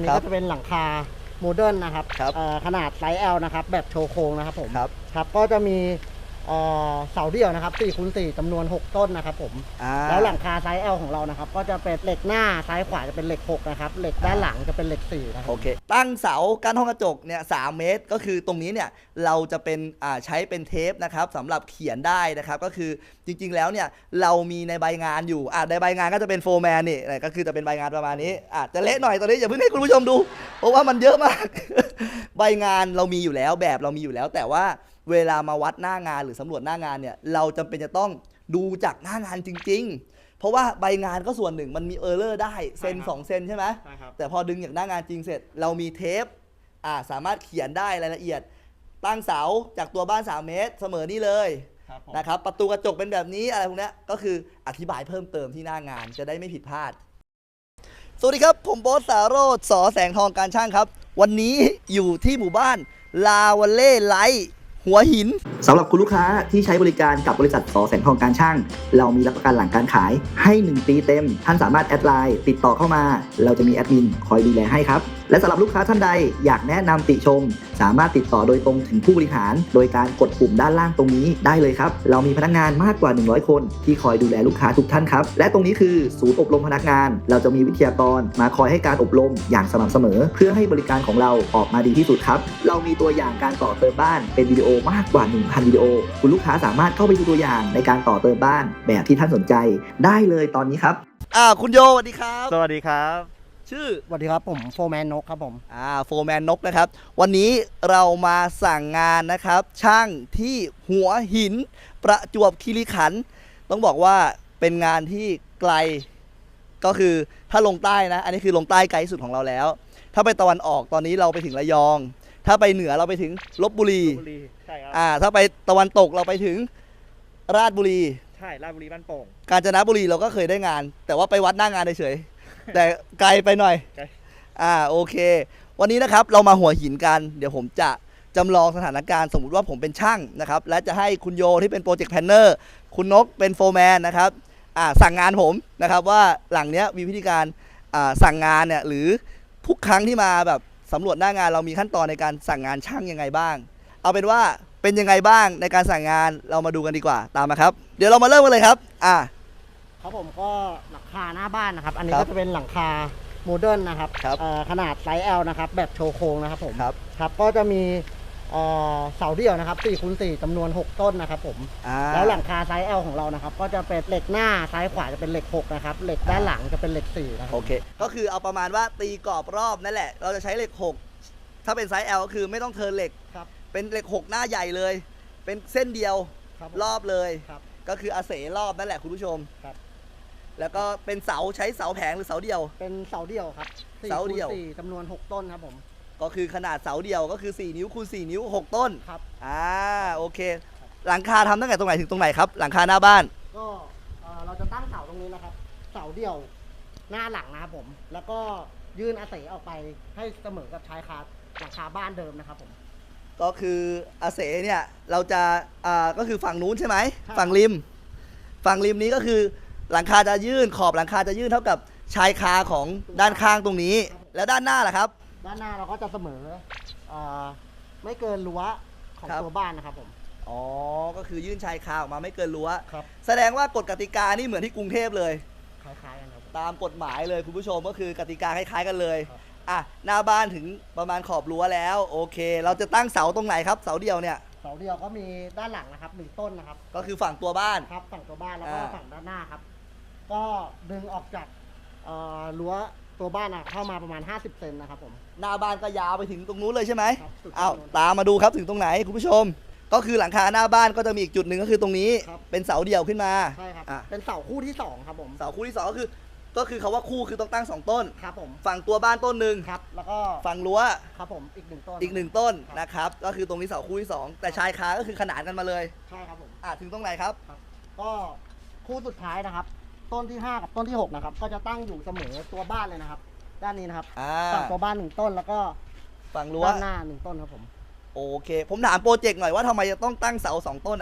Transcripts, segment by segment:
นนี้ก็จะเป็นหลังคาโมเดิร์นนะครับขนาดไซส์ L นะครับแบบโชว์โครงนะครับผมครับก็จะมีเสาเดี่ยวนะครับ4x4จำนวน6ต้นนะครับผมแล้วหลังคาไซส์ L ของเรานะครับก็จะเป็นเหล็กหน้าซ้ายขวาจะเป็นเหล็ก6นะครับเหล็กด้านหลังจะเป็นเหล็ก4นะครับโอเคตั้งเสากั้นห้องกระจกเนี่ย3 เมตรก็คือตรงนี้เนี่ยเราจะเป็นใช้เป็นเทปนะครับสำหรับเขียนได้นะครับก็คือจริงๆแล้วเนี่ยเรามีในใบงานอยู่ในใบงานก็จะเป็นโฟร์แมนนี่ก็คือจะเป็นใบงานประมาณนี้จะเละหน่อยตอนนี้อย่าเพิ่งให้คุณผู้ชมดูเพราะว่ามันเยอะมาก ใบงานเรามีอยู่แล้วแบบเรามีอยู่แล้วแต่ว่าเวลามาวัดหน้างานหรือสำรวจหน้างานเนี่ยเราจำเป็นจะต้องดูจากหน้างานจริงๆเพราะว่าใบงานก็ส่วนหนึ่งมันมีเออร์เลอร์ได้เซน2 เซนใช่ไหมแต่พอดึงจากหน้างานจริงเสร็จเรามีเทปสามารถเขียนได้รายละเอียดตั้งเสาจากตัวบ้าน3 เมตรเสมอนี่เลยนะครับประตูกระจกเป็นแบบนี้อะไรพวกนี้ก็คืออธิบายเพิ่มเติมที่หน้างานจะได้ไม่ผิดพลาดสวัสดีครับผมโบ๊ทสาโรจน์ สอแสงทองการช่างครับวันนี้อยู่ที่หมู่บ้านลาวัลเล่ไลท์หัวหินสำหรับคุณลูกค้าที่ใช้บริการกับบริษัทสอแสงทองการช่างเรามีรับประกันหลังการขายให้1 ปีเต็มท่านสามารถแอดไลน์ติดต่อเข้ามาเราจะมีแอดมินคอยดูแลให้ครับและสำหรับลูกค้าท่านใดอยากแนะนำติชมสามารถติดต่อโดยตรงถึงผู้บริหารโดยการกดปุ่มด้านล่างตรงนี้ได้เลยครับเรามีพนักงานมากกว่า100 คนที่คอยดูแลลูกค้าทุกท่านครับและตรงนี้คือศูนย์อบรมพนักงานเราจะมีวิทยากรมาคอยให้การอบรมอย่างสม่ำเสมอเพื่อให้บริการของเราออกมาดีที่สุดครับเรามีตัวอย่างการต่อเติมบ้านเป็นวิดีโอมากกว่า 1,000 วิดีโอคุณลูกค้าสามารถเข้าไปดูตัวอย่างในการต่อเติมบ้านแบบที่ท่านสนใจได้เลยตอนนี้ครับคุณโยสวัสดีครับสวัสดีครับชื่อสวัสดีครับผมโฟร์แมนนกครับผมโฟร์แมนนกนะครับวันนี้เรามาสั่งงานนะครับช่างที่หัวหินประจวบคีรีขันธ์ต้องบอกว่าเป็นงานที่ไกลก็คือถ้าลงใต้นะอันนี้คือลงใต้ไกลสุดของเราแล้วถ้าไปตะวันออกตอนนี้เราไปถึงระยองถ้าไปเหนือเราไปถึงลพบุรีใช่ครับถ้าไปตะวันตกเราไปถึงราชบุรีใช่ราชบุรีบ้านโป่งกาญจนบุรีเราก็เคยได้งานแต่ว่าไปวัดหน้างานเฉยแต่ไกลไปหน่อยโอเควันนี้นะครับเรามาหัวหินกันเดี๋ยวผมจะจำลองสถานการณ์สมมุติว่าผมเป็นช่างนะครับและจะให้คุณโยที่เป็นโปรเจกต์แพลนเนอร์คุณนกเป็นโฟร์แมนนะครับสั่งงานผมนะครับว่าหลังเนี้ยมีวิธีการสั่งงานเนี่ยหรือทุกครั้งที่มาแบบสำรวจหน้างานเรามีขั้นตอนในการสั่งงานช่างยังไงบ้างเอาเป็นว่าเป็นยังไงบ้างในการสั่งงานเรามาดูกันดีกว่าตามมาครับเดี๋ยวเรามาเริ่มกันเลยครับครับผมก็หลังคาหน้าบ้านนะครับอันนี้ก็จะเป็นหลังคาโมเดิร์นนะครับขนาดไซส์ L นะครับแบบโชว์โครงนะครับผมครับก็จะมีเสาเดี่ยวนะครับ4x4จำนวน6ต้นนะครับผมแล้วหลังคาไซส์ L ของเรานะครับก็จะเป็นเหล็กหน้าซ้ายขวาจะเป็นเหล็ก6นะครับเหล็กด้านหลังจะเป็นเหล็ก4นะครับโอเคก็คือเอาประมาณว่าตีกรอบรอบนั่นแหละเราจะใช้เหล็ก6ถ้าเป็นไซส์ L ก็คือไม่ต้องเทิร์นเหล็กเป็นเหล็ก6หน้าใหญ่เลยเป็นเส้นเดียวรอบเลยก็คืออาเสรอบนั่นแหละคุณผู้ชมแล้วก็เป็นเสาใช้เสาแผงหรือเสาเดียวเป็นเสาเดียวครับเสาเดียว 4จำนวน6ต้นครับผมก็คือขนาดเสาเดียวก็คือ4 นิ้วคูณ4 นิ้ว6ต้นครับโอเคหลังคาทำตั้งแต่ตรงไหนถึงตรงไหนครับหลังคาหน้าบ้านก็เราจะตั้งเสาตรงนี้นะครับเสาเดียวหน้าหลังนะครับผมแล้วก็ยื่นอาเสออกไปให้เสมอกับชายคาหลังคาบ้านเดิมนะครับผมก็คืออาเสเนี่ยเราจะก็คือฝั่งนู้นใช่ไหมฝั่งริมนี้ก็คือหลังคาจะยื่นขอบหลังคาจะยื่นเท่ากับชายคาของด้านข้างตรงนี้แล้วด้านหน้าล่ะครับด้านหน้าเราก็จะเสมอไม่เกินรั้วของตัวบ้านนะครับผมก็คือยื่นชายคาออกมาไม่เกินรั้วแสดงว่ากฎกติกานี่เหมือนที่กรุงเทพเลยคล้ายๆกันครับตามกฎหมายเลยคุณผู้ชมก็คือกติกาคล้ายๆกันเลยหน้าบ้านถึงประมาณขอบรั้วแล้วโอเคเราจะตั้งเสาตรงไหนครับเสาเดียวเนี่ยเสาเดียวก็มีด้านหลังนะครับ1ต้นนะครับก็คือฝั่งตัวบ้านครับฝั่งตัวบ้านแล้วก็ฝั่งด้านหน้าครับก็ดึงออกจากรั้วตัวบ้านเข้ามาประมาณ50 เซนนะครับผมหน้าบ้านก็ยาวไปถึงตรงนู้นเลยใช่ไหมตามมาดูครับถึงตรงไหนคุณผู้ชมก็คือหลังคาหน้าบ้านก็จะมีอีกจุดหนึ่งก็คือตรงนี้เป็นเสาเดี่ยวขึ้นมาใช่ครับเป็นเสาคู่ที่2ครับผมเสาคู่ที่2ก็คือเขาว่าคู่คือต้องตั้ง2 ต้นครับผมฝั่งตัวบ้านต้นหนึ่งครับแล้วก็ฝั่งรั้วครับผมอีก1ต้นต้นนะครับก็คือตรงนี้เสาคู่ที่2แต่ชายคาก็คือขนานกันมาเลยใช่ครับผมถึงตรงไหนครับก็คู่สุดท้ายนะครับต้นที่5กับต้นที่6นะครับก็จะตั้งอยู่เสมอตัวบ้านเลยนะครับด้านนี้นะครับฝั่งตัวบ้าน1ต้นแล้วก็ฝั่งรั้วด้านหน้า1ต้นครับผมโอเคผมถามโปรเจกต์หน่อยว่าทำไมจะต้องตั้งเสา2 ต้นนะครับ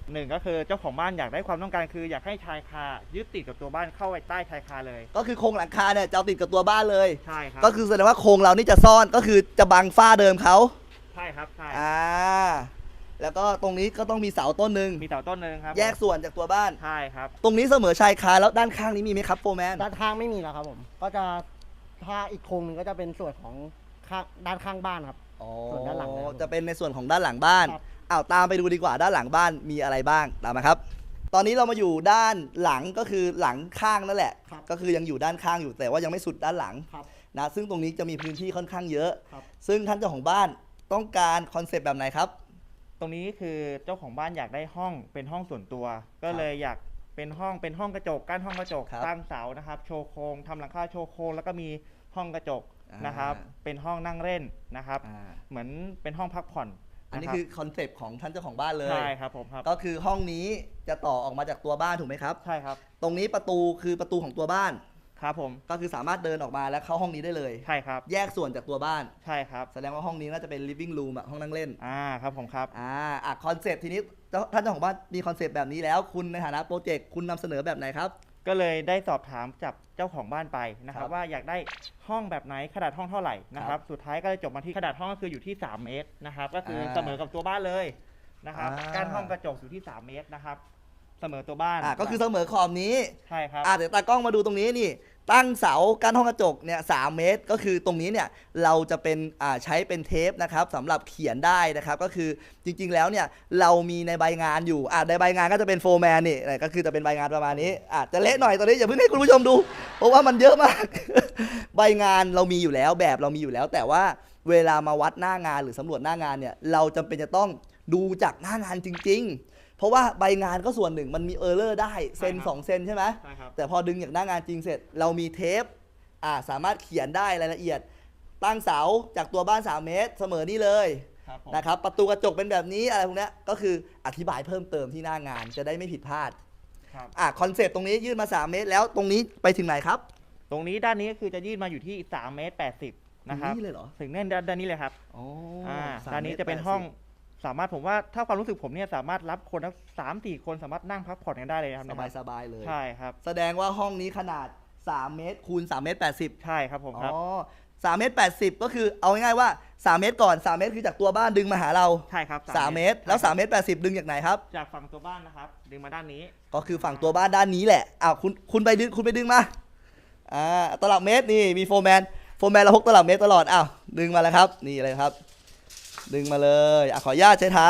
หนึ่งก็คือเจ้าของบ้านอยากได้ความต้องการคืออยากให้ชายคายึดติดกับตัวบ้านเข้าไปใต้ชายคาเลยก็คือโครงหลังคาเนี่ยจะเอาติดกับตัวบ้านเลยใช่ครับก็คือแสดงว่าโครงเรานี่จะซ่อนก็คือจะบังฝ้าเดิมเขาใช่ครับใช่แล้วก็ตรงนี้ก็ต้องมีเสาต้นหนึ่งมีเสาต้นหนึ่งครับแยกส่วนจากตัวบ้านใช่ครับตรงนี้เสมอชายคาแล้วด้านข้างนี้มีไหมครับโฟร์แมนด้านข้างไม่มีแล้วครับผมก็จะถ้าอีกโครงหนึงก็จะเป็นส่วนของด้านข้างบ้านครับส่วนด้านหลังจะเป็นในส่วนของด้านหลังบ้านตามไปดูดีกว่าด้านหลังบ้านมีอะไรบ้างตามมาครับตอนนี้เรามาอยู่ด้านหลังก็คือหลังข้างนั่นแหละก็คือยังอยู่ด้านข้างอยู่แต่ว่ายังไม่สุดด้านหลังนะซึ่งตรงนี้จะมีพื้นที่ค่อนข้างเยอะซึ่งท่านเจ้าของบ้านต้องการคอนเซปต์แบบไหนครับตรงนี้คือเจ้าของบ้านอยากได้ห้องเป็นห้องส่วนตัวก็เลยอยากเป็นห้องกระจกกั้นห้องกระจกตั้งเสานะครับโชว์โครงทำหลังคาโชว์โครงแล้วก็มีห้องกระจกนะครับเป็นห้องนั่งเล่นนะครับเหมือนเป็นห้องพักผ่อนอันนี้คือคอนเซปต์ของท่านเจ้าของบ้านเลยใช่ครับผมครับก็คือห้องนี้จะต่อออกมาจากตัวบ้านถูกไหมครับใช่ครับตรงนี้ประตูคือประตูของตัวบ้านครับผมก็คือสามารถเดินออกมาแล้วเข้าห้องนี้ได้เลยใช่ครับแยกส่วนจากตัวบ้านใช่ครับแสดงว่าห้องนี้น่าจะเป็น living room ห้องนั่งเล่นครับผมครับคอนเซปต์ทีนี้ท่านเจ้าของบ้านมีคอนเซปต์แบบนี้แล้วคุณในฐานะโปรเจกต์คุณนำเสนอแบบไหนครับก็เลยได้สอบถามจากเจ้าของบ้านไปนะครับว่าอยากได้ห้องแบบไหนขนาดห้องเท่าไหร่นะครับสุดท้ายก็เลยจบมาที่ขนาดห้องก็คืออยู่ที่3เมตรนะครับก็คือเสมอกับตัวบ้านเลยนะครับการห้องกระจกอยู่ที่3เมตรนะครับเสมอตัวบ้านก็คือเสมอขอบนี้ใช่ครับเดี๋ยวตากล้องมาดูตรงนี้นี่ตั้งเสากั้นห้องกระจกเนี่ย3 เมตรก็คือตรงนี้เนี่ยเราจะเป็นใช้เป็นเทปนะครับสำหรับเขียนได้นะครับก็คือจริงๆแล้วเนี่ยเรามีในใบงานอยู่ในใบงานก็จะเป็นโฟร์แมนนี่ก็คือจะเป็นใบงานประมาณนี้จะเละหน่อยตอนนี้อย่าเพิ่งให้คุณผู้ชมดูเพราะว่ามันเยอะมาก ใบงานเรามีอยู่แล้วแบบเรามีอยู่แล้วแต่ว่าเวลามาวัดหน้างานหรือสำรวจหน้างานเนี่ยเราจำเป็นจะต้องดูจากหน้างานจริงๆเพราะว่าใบงานก็ส่วนหนึ่งมันมีเออร์เลอร์ได้เซน2 เซนใช่ไหมใช่ครับแต่พอดึงจากหน้างานจริงเสร็จเรามีเทปสามารถเขียนได้รายละเอียดตั้งเสาจากตัวบ้าน3 เมตรเสมอนี่เลยนะครับประตูกระจกเป็นแบบนี้อะไรพวกนี้ก็คืออธิบายเพิ่มเติมที่หน้างานจะได้ไม่ผิดพลาดคอนเซปต์ตรงนี้ยื่นมา3 เมตรแล้วตรงนี้ไปถึงไหนครับตรงนี้ด้านนี้ก็คือจะยื่นมาอยู่ที่3 เมตร 80นะครับนี่เลยเหรอถึงแน่นด้านนี้เลยครับด้านนี้จะเป็นห้องสามารถผมว่าถ้าความรู้สึกผมเนี่ยสามารถรับคนทั้ง3-4 คนสามารถนั่งพักผ่อนกันได้เลยครับสบายเลยใช่ครับแสดงว่าห้องนี้ขนาด3 เมตรคูณ3 เมตร 80 ใช่ครับผมครับ 3 เมตร 80ก็คือเอาง่ายๆว่า3 เมตรก่อน3 เมตรคือจากตัวบ้านดึงมาหาเราใช่ครับ 3 เมตรแล้ว3 เมตร 80ดึงจากไหนครับจากฝั่งตัวบ้านนะครับดึงมาด้านนี้ก็คือฝั่งตัวบ้านด้านนี้แหละคุณไปดึงมาตลับเมตรนี่มีโฟร์แมนเราพกตลับเมตรตลอดดึงมาแล้วครับนี่เลยครับดึงมาเลยขออนุญาตใช้เท้า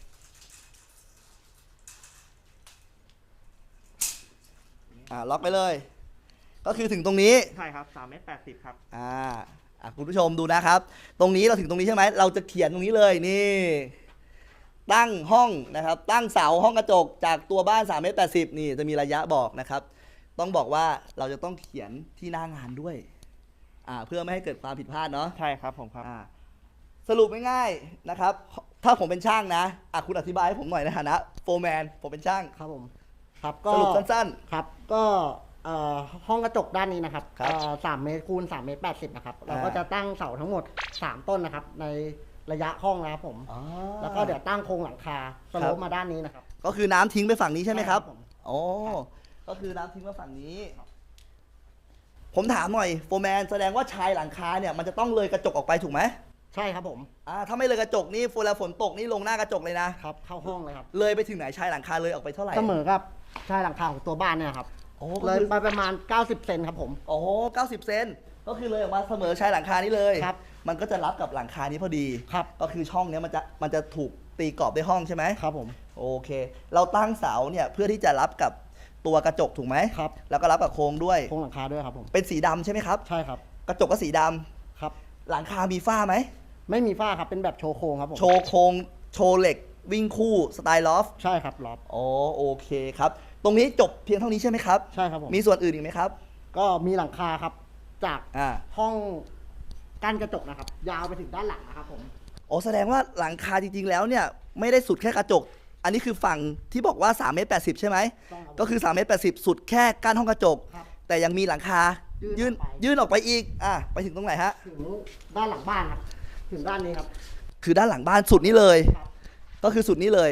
ล็อกไปเลยก็คือถึงตรงนี้ใช่ครับ3 เมตร 80ครับคุณผู้ชมดูนะครับตรงนี้เราถึงตรงนี้ใช่ไหมเราจะเขียนตรงนี้เลยนี่ตั้งห้องนะครับตั้งเสาห้องกระจกจากตัวบ้าน3 เมตร 80นี่จะมีระยะบอกนะครับต้องบอกว่าเราจะต้องเขียนที่หน้างานด้วยเพื่อไม่ให้เกิดความผิดพลาดเนาะใช่ครับผมครับสรุปง่ายๆนะครับถ้าผมเป็นช่างนะคุณอธิบายให้ผมหน่อยในฐานะโฟร์แมนผมเป็นช่างครับผมครับก็สรุปสั้นๆครับก็ห้องกระจกด้านนี้นะครับ3 เมตรคูณ3 เมตร 80นะครับเราก็จะตั้งเสาทั้งหมด3 ต้นนะครับในระยะห้องนะครับผมแล้วก็เดี๋ยวตั้งโครงหลังคาสโลปมาด้านนี้นะครับก็คือน้ำทิ้งไปฝั่งนี้ใช่ไหมครับก็คือน้ำทิ้งมาฝั่งนี้ผมถามหน่อยโฟร์แมนแสดงว่าชายหลังคาเนี่ยมันจะต้องเลยกระจกออกไปถูกไหมใช่ครับผมถ้าไม่เลยกระจกนี่เวลาฝนตกนี่ลงหน้ากระจกเลยนะครับเข้าห้องเลยครับเลยไปถึงไหนชายหลังคาเลยออกไปเท่าไหร่เสมอกับชายหลังคาของตัวบ้านเนี่ยครับเลยไปประมาณ90 เซนครับผม 90 เซนก็คือเลยออกมาเสมอชายหลังคานี้เลยครับมันก็จะรับกับหลังคานี้พอดีครับก็คือช่องนี้มันจะถูกตีกรอบด้วยห้องใช่ไหมครับผมโอเคเราตั้งเสาเนี่ยเพื่อที่จะรับกับตัวกระจกถูกไหมครับแล้วก็รับกับโครงด้วยโครงหลังคาด้วยครับผมเป็นสีดำใช่ไหมครับใช่ครับกระจกก็สีดำครับหลังคามีฝ้าไหมไม่มีฝ้าครับเป็นแบบโชว์โครงครับผมโชว์โครงโชว์เหล็กวิ่งคู่สไตล์ลอฟใช่ครับลอฟโอเคครับตรงนี้จบเพียงเท่านี้ใช่ไหมครับใช่ครับผมมีส่วนอื่นอีกไหมครับก็มีหลังคาครับจากห้องกั้นกระจกนะครับยาวไปถึงด้านหลังนะครับผมแสดงว่าหลังคาจริงๆแล้วเนี่ยไม่ได้สุดแค่กระจกอันนี้คือฝั่งที่บอกว่า3 เมตร 80ใช่ไหมก็คือ3 เมตร 80สุดแค่กั้นห้องกระจกแต่ยังมีหลังคายื่นออกไปอีกไปถึงตรงไหนฮะถึงด้านหลังบ้านครับถึงด้านนี้ครับคือด้านหลังบ้านสุดนี้เลยก็คือสุดนี้เลย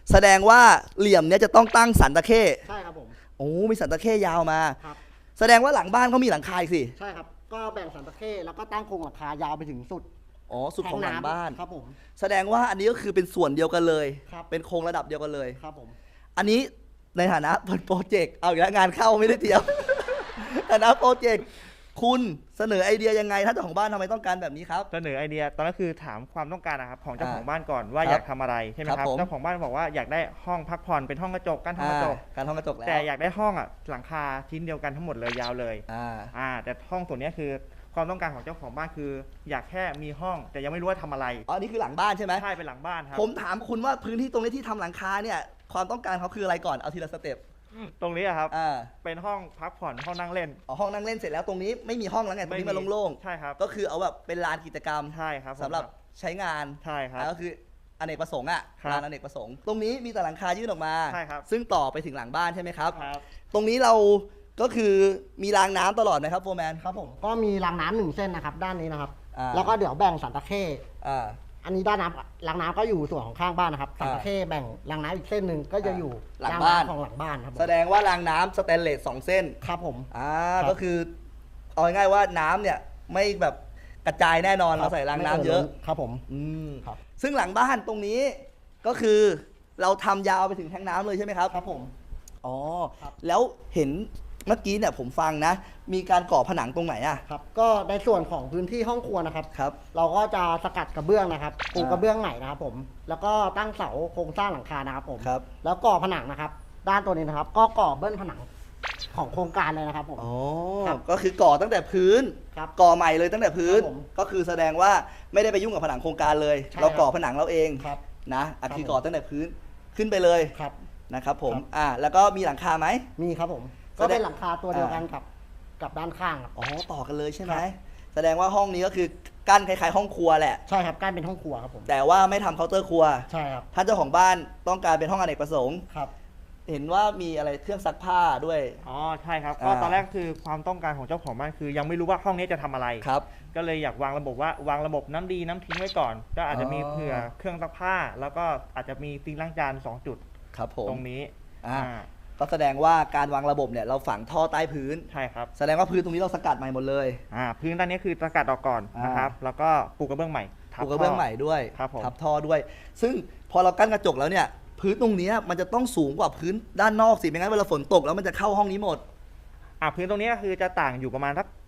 แสดงว่าเหลี่ยมเนี้ยจะต้องตั้งสันตะเข้ใช่ครับผมโอ้มีสันตะเข้ยาวมาครับแสดงว่าหลังบ้านเขามีหลังคาอีกสิใช่ครับก็แบ่งสันตะเข้แล้วก็ตั้งโครงหลังคายาวไปถึงสุดอ๋อสุดของหลังบ้านครับผมแสดงว่าอันนี้ก็คือเป็นส่วนเดียวกันเลยครับเป็นโครงระดับเดียวกันเลยครับผมอันนี้ในฐานะเป็นโปรเจกต์เอาอีกแล้วงานเข้าไม่ได้เตรียม ฐานะโปรเจกต์คุณเสนอไอเดียยังไงถ้าเจ้าของบ้านทำไมต้องการแบบนี้ครับเสนอไอเดียตอนนั้นคือถามความต้องการนะครับของเจ้าของบ้านก่อนครับว่าอยากทำอะไรใช่ไหมครับครับผมเจ้าของบ้านบอกว่าอยากได้ห้องพักผ่อนเป็นห้องกระจกกั้นห้องกระจกการห้องกระจกแล้วแต่อยากได้ห้องหลังคาชิ้นเดียวกันทั้งหมดเลยยาวเลย แต่ห้องส่วนเนี้ยคือความต้องการของเจ้าของบ้านคือ อยากแค่มีห้องแต่ยังไม่รู้ว่าทำอะไรอ๋ออันนี้คือหลังบ้านใช่ไหมใช่เป็นหลังบ้านครับผมถามคุณว่าพื้นที่ตรงนี้ที่ทำหลังคาเนี่ยความต้องการเขาคืออะไรก่อนเอาทีละสเต็ปตรงนี้อะครับอ่าเป็นห้องพักผ่อนห้องนั่งเล่นอ๋อห้องนั่งเล่นเสร็จแล้วตรงนี้ไม่มีห้องแล้วไงตรงนี้มันโล่งใช่ครับๆก็คือเอาแบบเป็นลานกิจกรรมใช่ครับผมสำหรับใช้งานใช่ครับก็คืออเนกประสงค์อ่ะครับลานอเนกประสงค์ตรงนี้มีแต่หลังคายื่นออกมาใช่ครับซึ่งต่อไปถึงหลังบ้านใช่ไหมครับครับตรงนี้เราก็คือมีรางน้ำตลอดไหมครับโฟร์แมนครับผมก็มีรางน้ำหนึ่งเส้นนะครับด้านนี้นะครับอ่าแล้วก็เดี๋ยวแบ่งสันตะเข้อ่าอันนี้ด้านน้ำรางน้ำก็อยู่ส่วนของข้างบ้านนะครับสันตะเข้แบ่งรางน้ำอีกเส้นหนึ่งก็จะอยู่หลังรางบ้านน้ำของหลังบ้านครับผมแสดงว่ารางน้ำสแตนเลส2เส้นครับผมครับ ก็คือเอาง่ายๆว่าน้ำเนี่ยไม่แบบกระจายแน่นอนเราใส่รางน้ำเยอะครับผมอืมครับซึ่งหลังบ้านตรงนี้ก็คือเราทำยาวไปถึงแทงน้ำเลยใช่ไหมครับครับผมอ๋อครับแล้วเห็นเมื่อกี้เนี่ยผมฟังนะ มีการก่อผนังตรงไหนอ่ะครับก็ในส่วนของพื้นที่ห้องครัวนะครับครับเราก็จะสกัดกระเบื้องนะครับปูอ่ากระเบื้องใหม่นะครับผมแล้วก็ตั้งเสาโครงสร้างหลังคานะครับผมครับแล้วก่อผนังนะครับ ด้านตัวนี้นะครับ ก็ก่อเบิ้ลผนังของโครงการเลยนะครับผมอ๋อครับก็คือก่อตั้งแต่พื้นครับก่อใหม่เลยตั้งแต่พื้นครับผมก็คือแสดงว่าไม่ได้ไปยุ่งกับผนังโครงการเลยใช่เราก่อครับผนังเราเองครับนะอ่ะครับคือผมก่อตั้งแต่พื้นขึ้นไปเลยครับนะครับผมครับแล้วก็มีหลังคาไหมมีครับผมแสดงก็เป็นหลังคาตัวเดียวกันกับด้านข้างครับอ๋อต่อกันเลยใช่ไหมครับแสดงว่าห้องนี้ก็คือกั้นคล้ายๆห้องครัวแหละใช่ครับกั้นเป็นห้องครัวครับผมแต่ว่าไม่ทำเคาน์เตอร์ครัวใช่ครับถ้าเจ้าของบ้านต้องการเป็นห้องอเนกประสงค์ครับเห็นว่ามีอะไรเครื่องซักผ้าด้วยอ๋อใช่ครับอ่าก็ตอนแรกคือความต้องการของเจ้าของบ้านคือ ยังไม่รู้ว่าห้องนี้จะทำอะไรครับก็เลยอยากวางระบบว่าวางระบบน้ำดีน้ำทิ้งไว้ก่อน ก็อาจจะมีอ๋อเผื่อเครื่องซักผ้า แล้วก็อาจจะมีซิงค์ล้างจาน2 จุดครับผมตรงนี้อ่าอ่าก็แสดงว่าการวางระบบเนี่ยเราฝังท่อใต้พื้นใช่ครับแสดงว่าพื้นตรงนี้เราสกัดใหม่หมดเลยพื้นด้านนี้คือสกัดออกก่อนนะครับ แล้วก็ปูกระเบื้องใหม่ทับปูกระเบื้องใหม่ด้วยครับผมทับท่อด้วย ซึ่งพอเรากั้นกระจกแล้วเนี่ย พื้นตรงเนี้ยมันจะต้องสูงกว่าพื้นด้านนอกสิไม่งั้นเวลาฝนตกแล้วมันจะเข้าห้องนี้หมดพื้นตรงนี้ก็คือจะต่างอยู่ประมาณสัก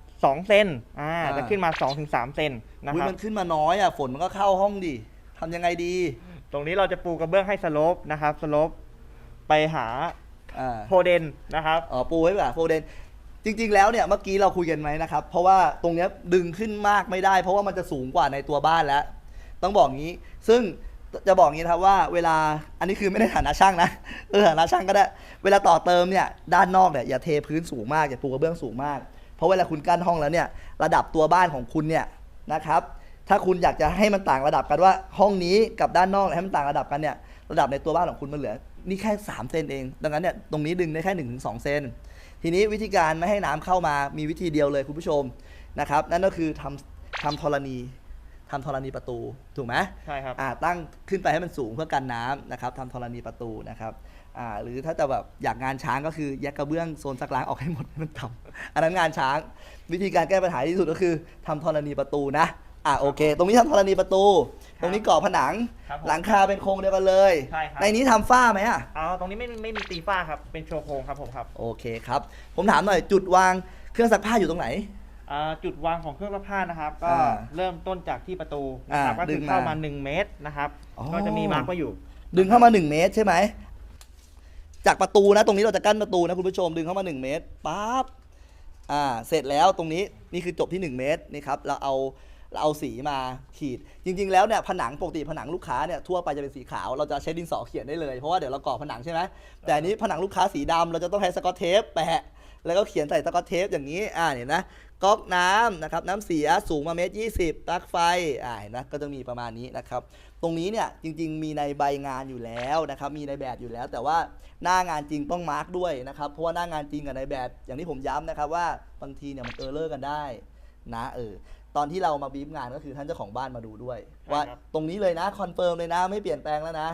2 เซนจะขึ้นมา 2-3 เซนนะอุ๊ยครับมันขึ้นมาน้อยอ่ะฝนมันก็เข้าห้องดิทำยังไงดีตรงนี้เราจะปูกระเบื้องให้สโลปนะครับสโลปไปหาอ่าโพเดนนะครับอ๋อปูไว้แบบโฟเดนจริง ๆ แล้วเนี่ยเมื่อกี้เราคุยกันไหมนะครับ เพราะว่าตรงเนี้ยดึงขึ้นมากไม่ได้ เพราะว่ามันจะสูงกว่าในตัวบ้านแล้ว ต้องบอกงี้ ซึ่งจะบอกงี้นะครับว่าเวลาอันนี้คือไม่ได้ฐานะช่างนะฐานะช่างก็ได้ เวลาต่อเติมเนี่ยด้านนอกเนี่ยอย่าเทพื้นสูงมากอย่าปูกระเบื้องสูงมาก เพราะเวลาคุณกั้นห้องแล้วเนี่ยระดับตัวบ้านของคุณเนี่ยนะครับถ้าคุณอยากจะให้มันต่างระดับกันว่าห้องนี้กับด้านนอกให้มันต่างระดับกันเนี่ยระดับในตัวบ้านของคุณมันเหลือนี่แค่3 เซนเองดังนั้นเนี่ยตรงนี้ดึงได้แค่ 1-2 เซนทีนี้วิธีการไม่ให้น้ำเข้ามามีวิธีเดียวเลยคุณผู้ชมนะครับนั่นก็คือทำธรณีประตูถูกไหมใช่ครับตั้งขึ้นไปให้มันสูงเพื่อกันน้ำนะครับทำธรณีประตูนะครับหรือถ้าจะแบบอยากงานช้างก็คือแยกกระเบื้องโซนซักล้างออกให้หมดให้มันต่ำอันนั้นงานช้างวิธีการแก้ปัญหาที่สุดก็คือทำธรณีประตูนะโอเค ตรงนี้ทำธรณีประตู ตรงนี้ก่อผนังครับผมหลังคาเป็นโครงเดียวกันเลยใช่ครับในนี้ทำฝ้าไหมอ่ะตรงนี้ไม่มีตีฝ้าครับเป็นโชว์โครงครับผมครับโอเคครับผมถามหน่อยจุดวางเครื่องซักผ้าอยู่ตรงไหนจุดวางของเครื่องซักผ้านะครับ ก็อ่าเริ่มต้นจากที่ประตูนะครับก็ดึคืงอมาเข้ามา1 เมตรนะครับอ๋อก็จะมีมาร์กไว้อยู่ดึงเข้ามา1 เมตรใช่ไหมจากประตูนะตรงนี้เราจะกั้นประตูนะคุณผู้ชมดึงเข้ามา1 เมตรปั๊บเสร็จแล้วตรงนี้นี่คือจบที่1 เมตรนี่ครับเราเอาสีมาขีด จริง ๆ แล้วเนี่ยผนังปกติผนังลูกค้าเนี่ยทั่วไปจะเป็นสีขาวเราจะใช้ดินสอเขียนได้เลยเพราะว่าเดี๋ยวเราก่อผนังใช่ไหมแต่อันนี้ผนังลูกค้าสีดำเราจะต้องใช้สกอตเทปแปะแล้วก็เขียนใส่สกอตเทปอย่างนี้เห็นนะก๊อกน้ำนะครับน้ำเสียสูงมา1.20 ปลั๊กไฟเห็นนะก็จะมีประมาณนี้นะครับตรงนี้เนี่ยจริง ๆ มีในใบงานอยู่แล้วนะครับมีในแบบอยู่แล้ว แต่ว่าหน้างานจริงต้องมาร์กด้วยนะครับเพราะว่าหน้างานจริงกับในแบบอย่างที่ผมย้ำนะครับว่าบางทีเนี่ยมันเออร์เลอร์กันได้นะตอนที่เรามาบีฟงานก็คือท่านเจ้าของบ้านมาดูด้วยใช่ว่าครับตรงนี้เลยนะคอนเฟิร์มเลยนะไม่เปลี่ยนแปลงแล้วนะ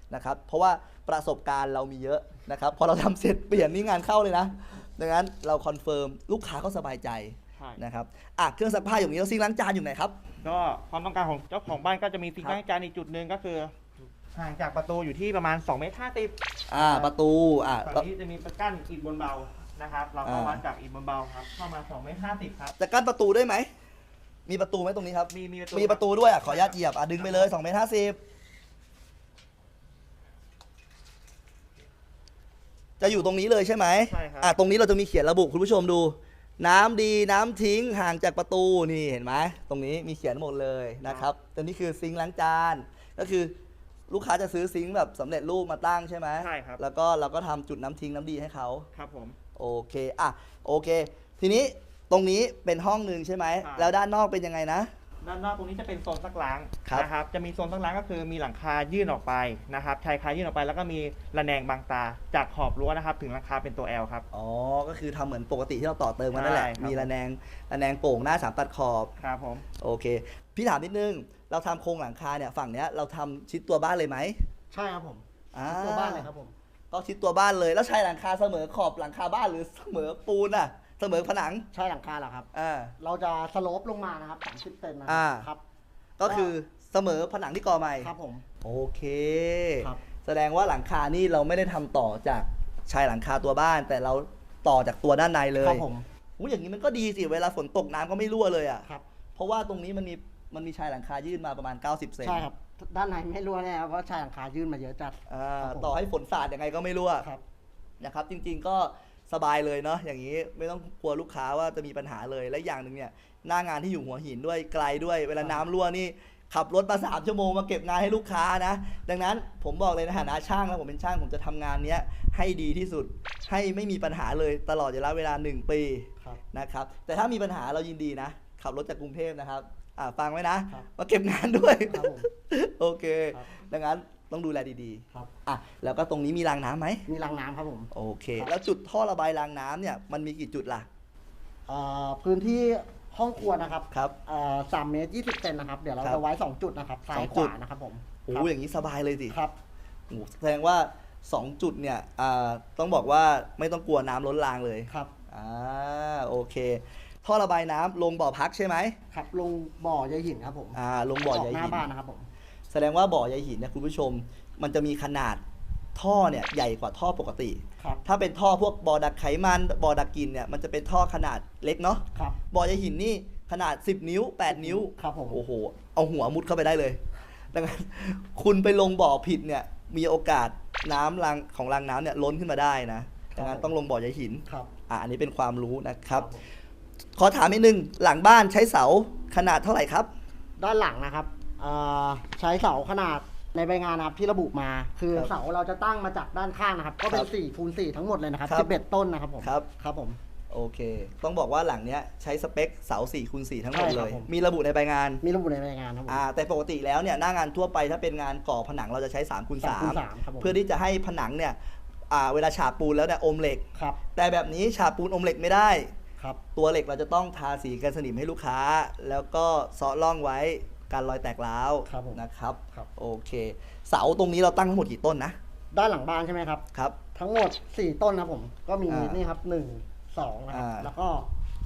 นะครับเพราะว่าประสบการณ์เรามีเยอะนะครับพอเราทำเสร็จเปลี่ยนนี่งานเข้าเลยนะดังนั้นเราคอนเฟิร์มลูกค้าก็สบายใจใช่นะครับเครื่องซักผ้าอย่างนี้แล้วซิงค์ล้างจานอยู่ไหนครับก็ความต้องการของเจ้าของบ้านก็จะมีซิงค์ล้างจานอีกจุดหนึ่งก็คือห่างจากประตูอยู่ที่ประมาณ2 เมตร 50 ประตูฝั่งนี้จะมีประกั้นอิฐบนเบานะครับเราก็วัดจากอิฐบนเบาครับเข้ามา2 เมตร 50ครับจะกั้นประตูได้ไหมมีประตูไหมตรงนี้ครับมีประตูด้วยขออนุญาตเหยียบดึงไปเลย2 เมตร 50จะอยู่ตรงนี้เลยใช่ไหมใช่ครับตรงนี้เราจะมีเขียนระบุคุณผู้ชมดู น้ำดีน้ำทิ้งห่างจากประตูนี่เห็นไหมตรงนี้มีเขียนหมดเลยนะครับตัวนี้คือซิงค์ล้างจานก็คือลูกค้าจะซื้อซิงค์แบบสำเร็จรูปมาตั้งใช่ไหมใช่ครับแล้วก็เราก็ทำจุดน้ำทิ้งน้ำดีให้เขาครับผมโอเคโอเคทีนี้ตรงนี้เป็นห้องหนึ่งใช่ไหมแล้วด้านนอกเป็นยังไงนะด้านนอกตรงนี้จะเป็นโซนซักล้างครับนะครับจะมีโซนซักล้างก็คือมีหลังคายื่นออกไปนะครับชายคายื่นออกไปแล้วก็มีระแนงบังตาจากขอบรั้วนะครับถึงหลังคาเป็นตัว L ครับก็คือทำเหมือนปกติที่เราต่อเติมกันนั่นแหละใช่ครับมีระแนงโป่งหน้า3 ตัดขอบครับผมโอเคพี่ถามนิดนึงเราทำโครงหลังคาเนี่ยฝั่งเนี้ยเราทำชิดตัวบ้านเลยไหมใช่ครับผมตัวบ้านเลยครับผมก็ชิดตัวบ้านเลยแล้วใช้หลังคาเสมอขอบหลังคาบ้านหรือเสมอปูนเสมอผนังใช่หลังคาเหรอครับเราจะสโลปลงมานะครับ30 เซนนะครับก็คือเสมอผนังที่ก่อใหม่ครับผมโอเคครับแสดงว่าหลังคานี่เราไม่ได้ทำต่อจากชายหลังคาตัวบ้านแต่เราต่อจากตัวด้านในเลยครับผมอย่างนี้มันก็ดีสิเวลาฝนตกน้ำก็ไม่รั่วเลยครับเพราะว่าตรงนี้มันมีชายหลังคายื่นมาประมาณ90 เซนใช่ครับด้านในไม่รั่วแน่เพราะชายหลังคายื่นมาเยอะจัดต่อให้ฝนสาดยังไงก็ไม่รั่วครับนะครับจริงๆก็สบายเลยเนาะอย่างนี้ไม่ต้องกลัวลูกค้าว่าจะมีปัญหาเลยและอย่างหนึ่งเนี่ยหน้างานที่อยู่หัวหินด้วยไกลด้วยเวลาน้ำรั่วนี่ขับรถมา3 ชั่วโมงมาเก็บงานให้ลูกค้านะดังนั้นผมบอกเลยในฐานะช่างแล้วผมเป็นช่างผมจะทำงานนี้ให้ดีที่สุดให้ไม่มีปัญหาเลยตลอดระยะเวลา1 ปีนะครับแต่ถ้ามีปัญหาเรายินดีนะขับรถจากกรุงเทพนะครับฟังไว้นะมาเก็บงานด้วยโอเคดังนั้นต้องดูแลดีๆแล้วก็ตรงนี้มีรางน้ำไหมมีรางน้ำครับผมโอเคแล้วจุดท่อระบายรางน้ำเนี่ยมันมีกี่จุดล่ะพื้นที่ห้องครัวนะครับครับ 3 เมตร 20 เซนนะครับเดี๋ยวเราจะไว้2 จุดนะครับซ้ายขวานะครับผมอย่างนี้สบายเลยสิครับแสดงว่า2 จุดเนี่ยต้องบอกว่าไม่ต้องกลัวน้ำล้นรางเลยครับโอเคท่อระบายน้ำลงบ่อพักใช่ไหมครับลงบ่อใยหินครับผมลงบ่อใยหินหน้าบ้านนะครับผมแสดงว่าบ่อใยหินเนี่ยคุณผู้ชมมันจะมีขนาดท่อเนี่ยใหญ่กว่าท่อปกติถ้าเป็นท่อพวกบ่อดักไขมันบ่อดักกลิ่นเนี่ยมันจะเป็นท่อขนาดเล็กเนาะบ่อใยหินนี่ขนาด10 นิ้ว8 นิ้วครับผมโอ้โหเอาหัวมุดเข้าไปได้เลยดังนั้นคุณไปลงบ่อผิดเนี่ยมีโอกาสน้ำของรางน้ำเนี่ยล้นขึ้นมาได้นะดังนั้นต้องลงบ่อใยหินอันนี้เป็นความรู้นะครับขอถามนิดนึงหลังบ้านใช้เสาขนาดเท่าไหร่ครับด้านหลังนะครับใช้เสาขนาดในใบงานนะครับที่ระบุมาคือเสาเราจะตั้งมาจากด้านข้างนะครับก็เป็น4 คูณ 4ทั้งหมดเลยนะครับ11 ต้นนะครับผมครับผมโอเคต้องบอกว่าหลังเนี้ยใช้สเปคเสา4 คูณ 4ทั้งหมดเลยมีระบุในใบงานครับแต่ปกติแล้วเนี่ยหน้างานทั่วไปถ้าเป็นงานก่อผนังเราจะใช้3 คูณ 3เพื่อที่จะให้ผนังเนี่ยเวลาฉาบปูนแล้วเนี่ยอมเหล็กแต่แบบนี้ฉาบปูนอมเหล็กไม่ได้ตัวเหล็กเราจะต้องทาสีกันสนิมให้ลูกค้าแล้วก็เซาะร่องไว้การรอยแตกร้าวนะครับโอเคเสาตรงนี้เราตั้งทั้งหมดกี่ต้นนะด้านหลังบ้านใช่ไหมครับครับทั้งหมด4 ต้นครับผมก็มีนี่ครับ1 2นะครับแล้วก็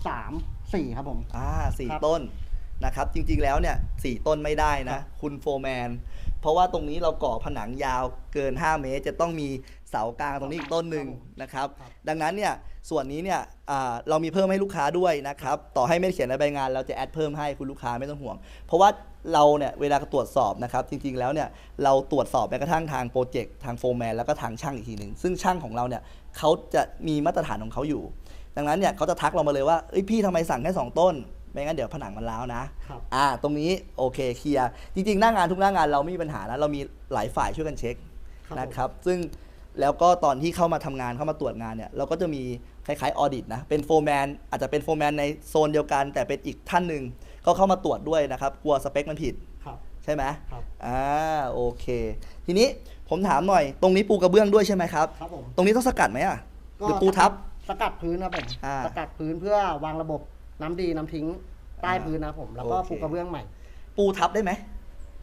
3 4ครับผม 4 ต้นนะครับจริงๆแล้วเนี่ย4 ต้นไม่ได้นะคุณโฟร์แมนเพราะว่าตรงนี้เราก่อผนังยาวเกิน5 เมตรจะต้องมีเสากลางตรงนี้อีกต้นหนึ่งนะครับดังนั้นเนี่ยส่วนนี้เนี่ยเรามีเพิ่มให้ลูกค้าด้วยนะครับต่อให้ไม่เขียนในใบงานเราจะแอดเพิ่มให้คุณลูกค้าไม่ต้องห่วงเพราะว่าเราเนี่ยเวลาตรวจสอบนะครับจริงๆแล้วเนี่ยเราตรวจสอบแม้กระทั่งทางโปรเจกต์ทางโฟร์แมนแล้วก็ทางช่างอีกทีหนึ่งซึ่งช่างของเราเนี่ยเขาจะมีมาตรฐานของเขาอยู่ดังนั้นเนี่ยเขาจะทักเรามาเลยว่าพี่ทำไมสั่งแค่2 ต้นไม่งั้นเดี๋ยวผนังมันร้าวนะตรงนี้โอเคเคลียร์จริงๆหน้างานทุกหน้างานเราไม่มีปัญหานะเรามีหลายฝ่ายช่วยกันเช็คนะครับซึ่งแล้วก็ตอนที่เข้ามาทำงานเข้ามาตรวจงานเนี่ยเราก็จะมีคล้ายๆออดิตนะเป็นโฟร์แมนอาจจะเป็นโฟร์แมนในโซนเดียวกันแต่เป็นอีกท่านหนึ่งเขาเข้ามาตรวจด้วยนะครับกลัวสเปคมันผิดใช่ไหมโอเคทีนี้ผมถามหน่อยตรงนี้ปูกระเบื้องด้วยใช่ไหมครับครับผมตรงนี้ต้องสกัดไหมหรือปูทับสกัดพื้นครับผมสกัดพื้นเพื่อวางระบบน้ำดีน้ำทิ้งใต้พื้นนะผมแล้วก็ปูกระเบื้องใหม่ปูทับได้ไหม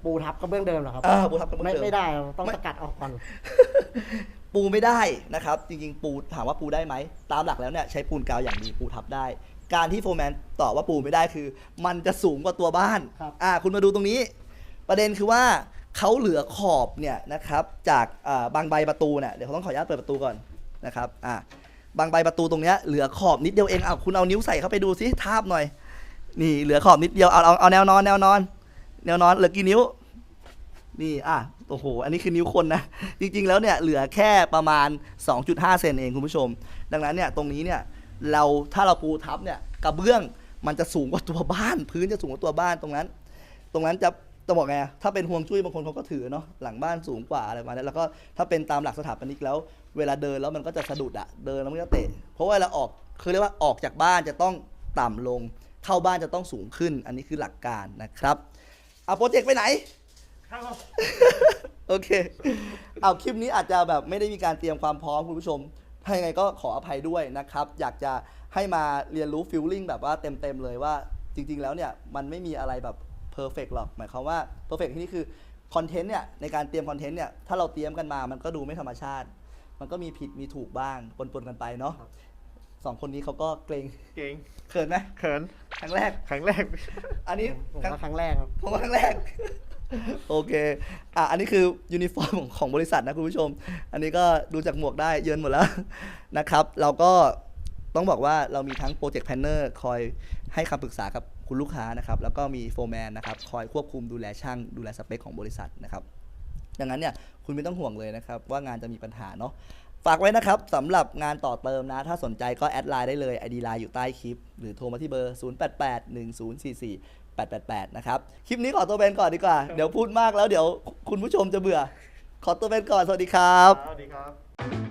ปูทับกระเบื้องเดิมเหรอครับปูทับกระเบื้องเดิมไม่ได้เราต้องสกัดออกก่อนปูไม่ได้นะครับ จริงๆ ปูถามว่าปูได้ไหม ตามหลักแล้วเนี่ยใช้ปูนกาวอย่างดีปูทับได้ การที่โฟร์แมนตอบว่าปูไม่ได้คือ มันจะสูงกว่าตัวบ้านครับคุณมาดูตรงนี้ ประเด็นคือว่าเขาเหลือขอบเนี่ยนะครับจากบางใบประตูเนี่ยเดี๋ยวเขาต้องขออนุญาตเปิดประตูก่อนนะครับบางใบประตูตรงเนี้ยเหลือขอบนิดเดียวเองคุณเอานิ้วใส่เข้าไปดูซิทาบหน่อย นี่เหลือขอบนิดเดียวเอาแนวนอนเหลือกี่นิ้วนี่โอ้โหอันนี้คือนิ้วคนนะจริงๆแล้วเนี่ยเหลือแค่ประมาณ 2.5 เซนเองคุณผู้ชมดังนั้นเนี่ยตรงนี้เนี่ยถ้าเราปูทับเนี่ยกระเบื้องมันจะสูงกว่าตัวบ้านพื้นจะสูงกว่าตัวบ้านตรงนั้นจะบอกไงถ้าเป็นห่วงจุ้ยบางคนเขาก็ถือเนาะหลังบ้านสูงกว่าอะไรประมาณนี้แล้วก็ถ้าเป็นตามหลักสถาปนิกแล้วเวลาเดินแล้วมันก็จะสะดุดเดินแล้วมันก็เตะเพราะว่าเราคือเรียกว่าออกจากบ้านจะต้องต่ำลงเข้าบ้านจะต้องสูงขึ้นอันนี้คือหลักการนะครับโปรเจกต์ไปไหน โอเคคลิปนี้อาจจะแบบไม่ได้มีการเตรียมความพร้อมคุณผู้ชมถ้ายังไงก็ขออภัยด้วยนะครับอยากจะให้มาเรียนรู้ฟีลลิ่งแบบว่าเต็มเลยว่าจริงๆแล้วเนี่ยมันไม่มีอะไรแบบเพอร์เฟกต์หรอกหมายความว่าเพอร์เฟกต์ที่นี่คือคอนเทนต์เนี่ยในการเตรียมคอนเทนต์เนี่ยถ้าเราเตรียมกันมามันก็ดูไม่ธรรมชาติมันก็มีผิดมีถูกบ้างปนกันไปเนาะสองคนนี้เขาก็เกรงเขินไหมเขินครั้งแรก อันนี้ผมว่าครั้งแรกครับผมว่าครั้งแรก โอเคอันนี้คือยูนิฟอร์มของบริษัทนะคุณผู้ชมอันนี้ก็ดูจากหมวกได้เยินหมดแล้ว นะครับเราก็ต้องบอกว่าเรามีทั้งโปรเจกต์แพลนเนอร์คอยให้คำปรึกษากับคุณลูกค้านะครับแล้วก็มีโฟร์แมนนะครับคอยควบคุมดูแลช่างดูแลสเปคของบริษัทนะครับดังนั้นเนี่ยคุณไม่ต้องห่วงเลยนะครับว่างานจะมีปัญหาเนาะฝากไว้นะครับสำหรับงานต่อเติมนะถ้าสนใจก็แอดไลน์ได้เลย ID ไลน์อยู่ใต้คลิปหรือโทรมาที่เบอร์ 0881044888 นะครับคลิปนี้ขอตัวเป็นก่อนดีกว่าเดี๋ยวพูดมากแล้วเดี๋ยวคุณผู้ชมจะเบื่อขอตัวเป็นก่อนสวัสดีครับสวัสดีครับ